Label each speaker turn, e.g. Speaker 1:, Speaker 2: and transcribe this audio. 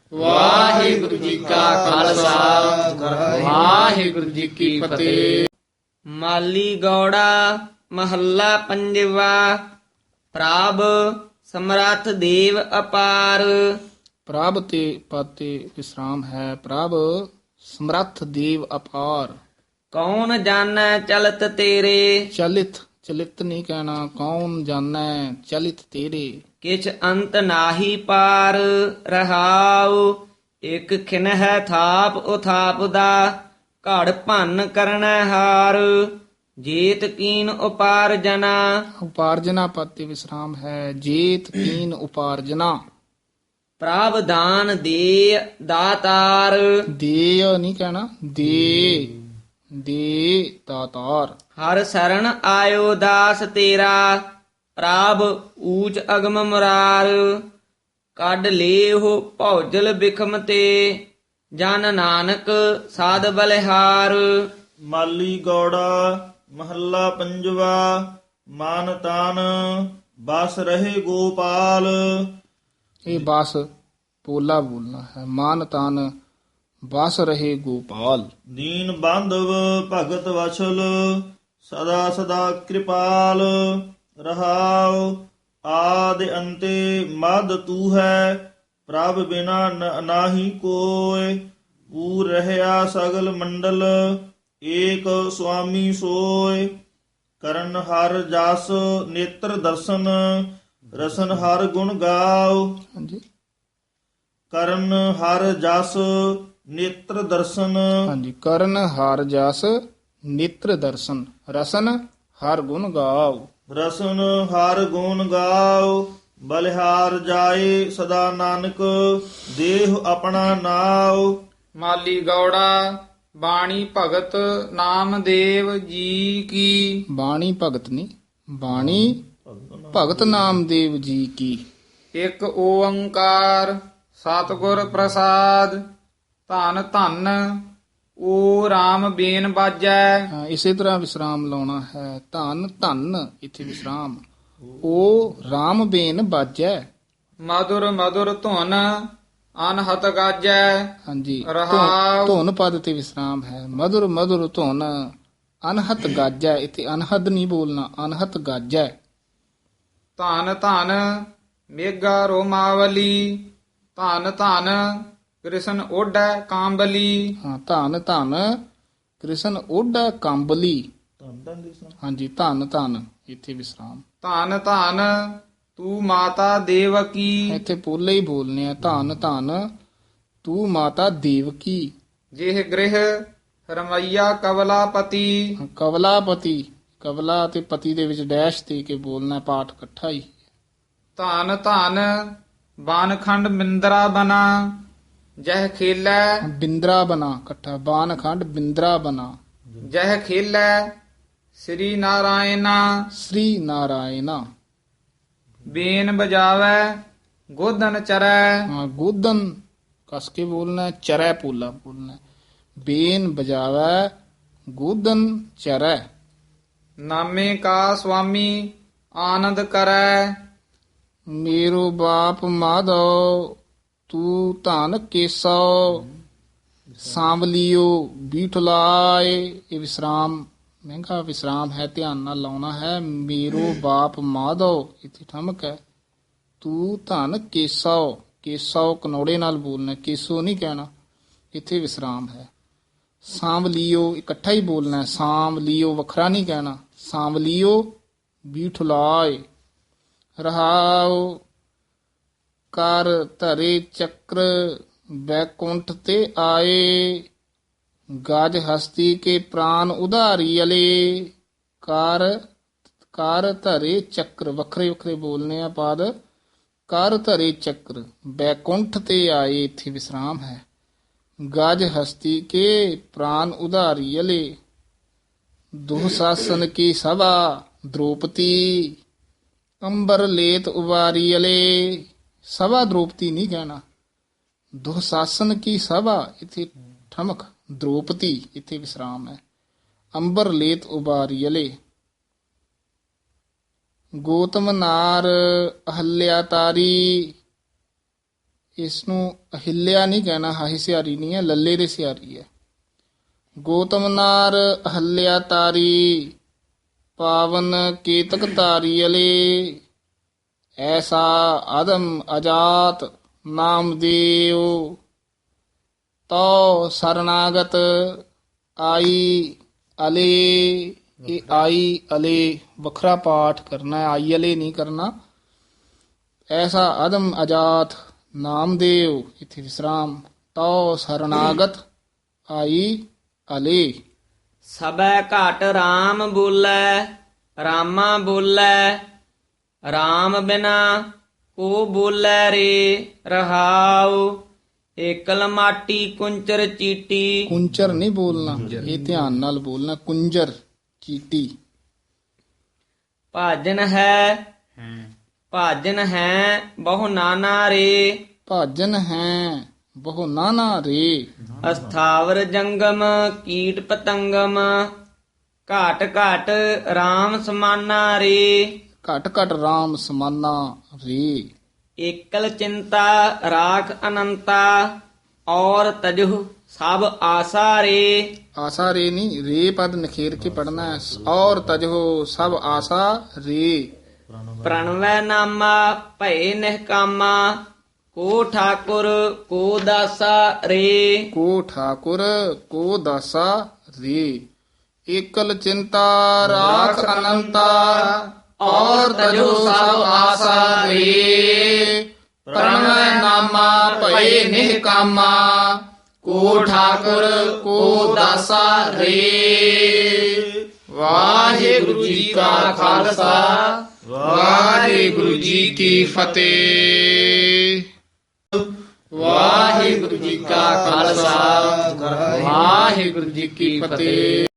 Speaker 1: ਵਾਹਿਗੁਰੂ ਜੀ ਕਾ ਖਾਲਸਾ ਵਾਹਿਗੁਰੂ ਜੀ ਕੀ ਫਤਿਹ।
Speaker 2: ਮਾਲੀ ਗੌੜਾ ਮਹੱਲਾ ਪੰਜਵਾ। ਪ੍ਰਭ ਸਮਰੱਥ ਦੇਵ ਅਪਾਰ।
Speaker 1: ਪ੍ਰਭ ਤੇ ਪਾਤੇ ਵਿਸਰਾਮ ਹੈ। ਪ੍ਰਭ ਸਮਰੱਥ ਦੇਵ ਅਪਾਰ।
Speaker 2: ਕੌਣ ਜਾਣੈ ਚਲਤ ਤੇਰੇ।
Speaker 1: ਚਲਿਤ ਚਲਿਤ ਨਹੀਂ ਕਹਿਣਾ, ਕੌਣ ਜਾਣੈ ਚਲਿਤ ਤੇਰੇ।
Speaker 2: ਕਿਛ ਅੰਤ ਨਾਹੀ ਪਾਰ। ਰਹਾਉ ਇਕ ਖਿਨਹਿ ਥਾਪ ਉਥਾਪ ਦਾ। ਘੜ ਭੰਨ ਕਰਨੈ ਹਾਰ। ਜੀਤ ਕੀਨ ਉਪਾਰਜਨਾ।
Speaker 1: ਉਪਾਰਜਨਾ ਪਾਤੇ ਵਿਸਰਾਮ ਹੈ। ਜੇਤ ਕੀਨ ਉਪਾਰਜਨਾ।
Speaker 2: ਪ੍ਰਭ ਦਾਨ ਦੇ ਦਾਤਾਰ।
Speaker 1: ਦੇ ਨਹੀਂ ਕਹਿਣਾ, ਦੇ ਦੇ ਦਾਤਾਰ।
Speaker 2: ਹਰ ਸਰਣ ਆਇਓ ਦਾਸ ਤੇਰਾ। ਪ੍ਰਭ ਊਚ ਅਗਮ ਮੁਰਾਰ। ਕੱਢ ਲੇਹੁ ਭੌਜਲ ਬਿਖਮ ਤੇ। ਜਨ ਨਾਨਕ ਸਾਧ ਬਲਿਹਾਰ।
Speaker 3: ਮਾਲੀ ਗੌੜਾ ਮਹੱਲਾ ਪੰਜਵਾ। ਮਾਨ ਤਾਨ ਬਸ ਰਹੇ ਗੋਪਾਲ।
Speaker 1: ਇਹ ਬਸ ਪੋਲਾ ਬੋਲਣਾ ਹੈ। ਮਾਨ ਤਨ ਬਸ ਰਹੇ ਗੋਪਾਲ।
Speaker 3: ਦੀਨ ਬਾਂਧਵ ਭਗਤ ਵਛਲ ਸਦਾ ਸਦਾ ਕਿਰਪਾਲ। ਰਹਾਉ ਆਦ ਅੰਤੇ ਮਦ ਤੂ ਹੈ। ਪ੍ਰਭ ਬਿਨਾ ਨਾਹੀ ਕੋਇ। ਪੂਰ ਰਹਿਆ ਸਗਲ ਮੰਡਲ ਏਕ ਸੁਆਮੀ ਸੋਇ। ਕਰਨ ਹਰ ਜਸ ਨੇਤਰ ਦਰਸ਼ਨ ਰਸਨ ਹਰ ਗੁਣ ਗਾਓ।
Speaker 1: ਹਾਂਜੀ
Speaker 3: ਕਰਨ ਹਰ ਜਸ ਨੇਤਰ ਦਰਸ਼ਨ
Speaker 1: ਹਾਂਜੀ। ਕਰਨ ਹਰ ਜਸ ਨੇਤਰ ਦਰਸ਼ਨ ਰਸਨ ਹਰ ਗੁਣ ਗਾਓ।
Speaker 3: ਰਸਨ ਹਰ ਗੁਣ ਗਾਓ। ਬਲਿਹਾਰ ਜਾਏ ਸਦਾ ਨਾਨਕ ਦੇਹ ਆਪਣਾ ਨਾਉ।
Speaker 4: ਮਾਲੀ ਗੌੜਾ ਬਾਣੀ ਭਗਤ ਨਾਮਦੇਵ ਜੀ ਕੀ।
Speaker 1: ਬਾਣੀ ਭਗਤ ਨਹੀਂ, ਬਾਣੀ ਭਗਤ ਨਾਮਦੇਵ ਜੀ ਕੀ।
Speaker 4: ਇੱਕ ਓੰਕਾਰ ਸਤਿਗੁਰ ਪ੍ਰਸਾਦ। ਧੰਨ ਧੰਨ ਓ RAM ਬੇਨ ਬਾਜੈ।
Speaker 1: ਹਾਂ, ਇਸੇ ਤਰ੍ਹਾਂ ਵਿਸਰਾਮ ਲਾਉਣਾ ਹੈ। ਧੰਨ ਧੰਨ ਇੱਥੇ ਵਿਸਰਾਮ। ਉਹ RAM ਬੇਨ ਬਾਜੈ।
Speaker 4: ਮధుਰ ਮధుਰ ਧੁਨ ਅਨਹਤ ਗਾਜੈ।
Speaker 1: ਹਾਂਜੀ
Speaker 4: ਰਹਾਉ।
Speaker 1: ਧੁਨ ਪਦ ਤੇ ਵਿਸਰਾਮ ਹੈ। ਮధుਰ ਮధుਰ ਧੁਨ ਅਨਹਤ ਗਾਜੈ। ਇੱਥੇ ਅਨਹਦ ਨਹੀਂ ਬੋਲਣਾ, ਅਨਹਤ ਗਾਜੈ।
Speaker 4: ਧੰਨ ਧੰਨ ਮੇਗਾ ਰੋਮਾਵਲੀ। ਧੰਨ ਧੰਨ ਕ੍ਰਿਸ਼ਨ ਓਢੈ ਕਾਂਬਲੀ।
Speaker 1: ਹਾਂ, ਧੰਨ ਧੰਨ ਕ੍ਰਿਸ਼ਨ ਓਢਾ ਕੰਬਲੀ। ਹਾਂਜੀ, ਧੰਨ ਧੰਨ ਇੱਥੇ ਵਿਸਰਾਮ।
Speaker 4: ਧੰਨ ਧੰਨ ਤੂੰ ਮਾਤਾ ਦੇਵਕੀ।
Speaker 1: ਇੱਥੇ ਪੋਲੇ ਹੀ ਬੋਲਨੇ ਆ। ਧੰਨ ਧੰਨ ਤੂੰ ਮਾਤਾ ਦੇਵਕੀ।
Speaker 4: ਜਿਹ ਗ੍ਰਹਿ ਰਮਈਆ ਕਵਲਾਪਤੀ।
Speaker 1: ਕਵਲਾਪਤੀ, ਕਵਲਾ ਤੇ ਪਤੀ ਦੇ ਵਿੱਚ ਡੈਸ਼ ਦੇ ਕੇ ਬੋਲਣਾ, ਪਾਠ ਇਕੱਠਾ ਹੀ।
Speaker 4: ਧੰਨ ਧੰਨ ਬਾਨਖੰਡ ਬਿੰਦਰਾ ਬਨਾ। ਜਹ ਖੇਲੈ
Speaker 1: ਬਿੰਦਰਾ ਬਨਾ ਇਕੱਠਾ। ਬਾਨਖੰਡ ਬਿੰਦਰਾ ਬਨਾ।
Speaker 4: ਜਹ ਖੇਲੈ ਸ੍ਰੀ ਨਾਰਾਇਣਾ।
Speaker 1: ਸ੍ਰੀ ਨਾਰਾਇਣਾ।
Speaker 4: ਬੇਨ ਬਜਾਵੈ ਗੋਦਨ ਚਰੈ।
Speaker 1: ਹਾਂ, ਗੋਦਨ ਕਸ ਕੇ ਬੋਲਣਾ, ਚਰੈ ਪੋਲਾ ਬੋਲਣਾ। ਬੇਨ ਬਜਾਵੈ ਗੋਦਨ ਚਰੈ।
Speaker 4: ਨਾਮੇ ਕਾ ਸੁਆਮੀ ਆਨੰਦ ਕਰੈ।
Speaker 1: ਮੇਰੋ ਬਾਪ ਮਾਧੋ ਤੂੰ ਧਨ ਕੇਸੋ। ਸਾਂਵਲਿਓ ਬੀਠਲਾਏ। ਇਹ ਵਿਸਰਾਮ ਮਹਿੰਗਾ ਵਿਸਰਾਮ ਹੈ, ਧਿਆਨ ਨਾਲ ਲਾਉਣਾ ਹੈ। ਮੇਰੋ ਬਾਪ ਮਾਧੋ ਇੱਥੇ ਠਮਕ ਹੈ। ਤੂੰ ਧਨ ਕੇਸੋ। ਕੇਸੋ ਕਨੌੜੇ ਨਾਲ ਬੋਲਣਾ, ਕੇਸੋ ਨਹੀਂ ਕਹਿਣਾ। ਇੱਥੇ ਵਿਸਰਾਮ ਹੈ। ਸਾਂਵਲਿਓ ਇਕੱਠਾ ਹੀ ਬੋਲਣਾ। ਸਾਂਵਲਿਓ ਵੱਖਰਾ ਨਹੀਂ ਕਹਿਣਾ। ਸਾਂਵਲਿਓ ਬੀਠਲਾਏ। ਰਹਾਉ ਕਰ ਧਰੇ ਚੱਕਰ ਬੈਕੁੰਠ ਤੇ ਆਏ। ਗਜ ਹਸਤੀ ਕੇ ਪ੍ਰਾਨ ਉਧਾਰੀ ਅਲੇ। ਕਰ ਧਰੇ ਚੱਕਰ ਵੱਖਰੇ ਵੱਖਰੇ ਬੋਲਨੇ ਆ ਪਦ। ਕਰ ਧਰੇ ਚੱਕਰ ਬੈਕੁੰਠ ਤੇ ਆਏ। ਇੱਥੇ ਵਿਸਰਾਮ ਹੈ। ਗਜ ਹਸਤੀ ਕੇ ਪ੍ਰਾਨ ਉਧਾਰੀ ਅਲੇ। ਦੁਸਾਸਨ ਕੀ ਸਭਾ ਦ੍ਰੋਪਤੀ। ਅੰਬਰ ਲੇਤ ਉਵਾਰੀ ਅਲੇ। ਸਭਾ ਦ੍ਰੋਪਤੀ ਨਹੀਂ ਕਹਿਣਾ। ਦੁਸਾਸਨ ਕੀ ਸਭਾ ਇੱਥੇ ਠਮਕ। ਦ੍ਰੋਪਤੀ ਇੱਥੇ ਵਿਸਰਾਮ ਹੈ। ਅੰਬਰ ਲੇਤ ਉਬਾਰੀ ਅਲੇ। ਗੋਤਮ ਨਾਰ ਅਹਲਿਆ ਤਾਰੀ। ਇਸ ਨੂੰ ਅਹਿਲਿਆ ਨਹੀਂ ਕਹਿਣਾ, ਹਾਹੀ ਸਿਆਰੀ ਨਹੀਂ ਹੈ, ਲੱਲੇ ਦੇ ਸਿਆਰੀ ਹੈ। ਗੋਤਮ ਨਾਰ ਅਹਲਿਆ ਤਾਰੀ, ਪਾਵਨ ਕੇਤਕ ਤਾਰੀ ਅਲੇ, ਐਸਾ ਆਦਮ ਅਜਾਤ ਨਾਮ ਦੇਉ, ਤੋ ਸਰਨਾਗਤ ਆਈ ਅਲੇ। ਇਹ ਆਈ ਅਲੇ ਵੱਖਰਾ ਪਾਠ ਕਰਨਾ ਹੈ, ਆਈ ਅਲੇ ਨਹੀਂ ਕਰਨਾ। ਐਸਾ ਆਦਮ ਅਜਾਤ ਨਾਮਦੇਵ, ਇਥੇ ਵਿਸਰਾਮ, ਤੋ ਸਰਨਾਗਤ ਆਈ ਅਲੇ।
Speaker 2: ਸਬੈ ਘਟ RAM ਬੋਲੇ, ਰਾਮਾ ਬੋਲੇ, RAM ਬਿਨਾ ਕੋ ਬੋਲੇ ਰੇ ਰਹਾਉ। ਏਕਲ ਮਾਟੀ ਕੁੰਚਰ ਚੀਟੀ,
Speaker 1: ਕੁੰਚਰ ਨਹੀਂ ਬੋਲਣਾ, ਇਹ ਧਿਆਨ ਨਾਲ ਬੋਲਣਾ, ਕੁੰਜਰ ਚੀਟੀ।
Speaker 2: ਭਾਜਨ ਹੈ ਭਾਜਨ ਹੈ ਬਹੁ ਨਾਨਾ ਰੇ,
Speaker 1: ਭਾਜਨ ਹੈ ਬਹੁ ਨਾਨਾ ਰੇ।
Speaker 2: ਅਸਥਾਵਰ ਜੰਗਮ ਕੀਟ ਪਤੰਗਮ, ਘਾਟ ਘਾਟ RAM ਸਮਾਨਾ ਰੇ।
Speaker 1: ਘਟ ਘਟ RAM ਸਮਾਨਾ ਰੇ।
Speaker 2: ਏਕਲ ਚਿੰਤਾ ਰਾਖ ਅਨੰਤਾ, ਔਰ ਤਜੁ ਸਭ ਆਸਾ ਰੇ।
Speaker 1: ਆਸਾ ਰੇ ਨਹੀਂ, ਰੇ ਪਦ ਨਖੇਰ ਕੇ ਪੜਨਾ ਹੈ। ਔਰ ਤਜੋ ਸਭ ਆਸਾ ਰੇ।
Speaker 2: ਪ੍ਰਣਵੈ ਨਾਮਾ ਭਏ ਨਿਹਕਾਮਾ, ਕੋ ਠਾਕੁਰ ਕੋ ਦਾਸਾ ਰੇ।
Speaker 1: ਕੋ ਠਾਕੁਰ ਕੋ ਦਾਸਾ ਰੇ। ਏਕਲ ਚਿੰਤਾ ਰਾਖ ਅਨੰਤਾ, ਔਰ ਤਜੋ ਸਭ ਆਸਾ ਰੇ। ਪ੍ਰਣਵੈ ਨਾਮਾ ਭਏ ਨਿਹਕਾਮਾ, ਕੋ ਠਾਕੁਰ ਕੋ ਦਾਸਾ ਰੇ। ਵਾਹਿਗੁਰੂ ਜੀ ਕਾ ਖਾਲਸਾ, ਵਾਹਿਗੁਰੂ ਜੀ ਕੀ ਫਤਿਹ। ਵਾਹਿਗੁਰੂ ਜੀ ਕਾ ਖਾਲਸਾ, ਵਾਹਿਗੁਰੂ ਜੀ ਕੀ ਫਤਿਹ।